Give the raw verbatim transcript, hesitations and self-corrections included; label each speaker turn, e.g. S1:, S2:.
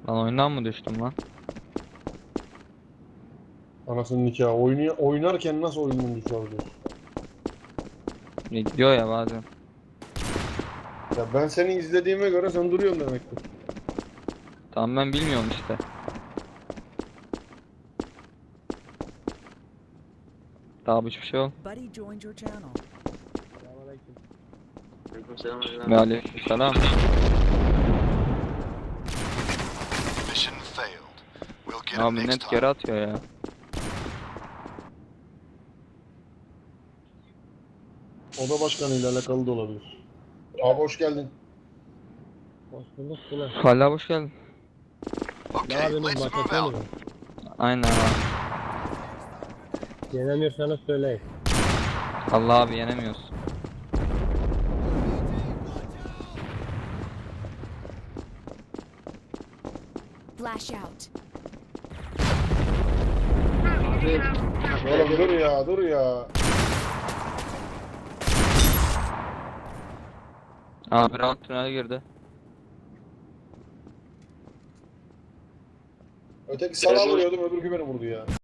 S1: Ben oyundan mı düştüm lan?
S2: Anasının nikahı. Oyunu, oynarken nasıl oyundan düşebiliyorsun?
S1: Ya gidiyor ya bazen.
S2: Ya ben seni izlediğime göre sen duruyorsun demektir.
S1: Tamam ben bilmiyorum işte. Daha hiçbir şey ol.
S3: Buddy joined your channel.
S1: Ve aleykümselam.
S4: Mission failed. We'll get 'em
S1: Abi
S4: next
S1: net
S4: time.
S1: geri atıyor ya.
S2: Oda başkanıyla alakalı da olabilir. Abi hoş geldin.
S5: Hoş bulduk Tuna.
S1: Hala hoş geldin.
S5: Ne
S4: Okay,
S5: yapıyorsunuz?
S4: let's move
S5: Başlatıyor
S4: out.
S5: musunuz?
S1: Aynen abi.
S5: Yenemiyorsanız söyleyin.
S1: Allah abi yenemiyoruz.
S6: Flash out.
S2: Oğlum dur ya dur ya.
S1: Abi round tünele girdi.
S2: Öteki sana vuruyordum öbürkü beni vurdu ya.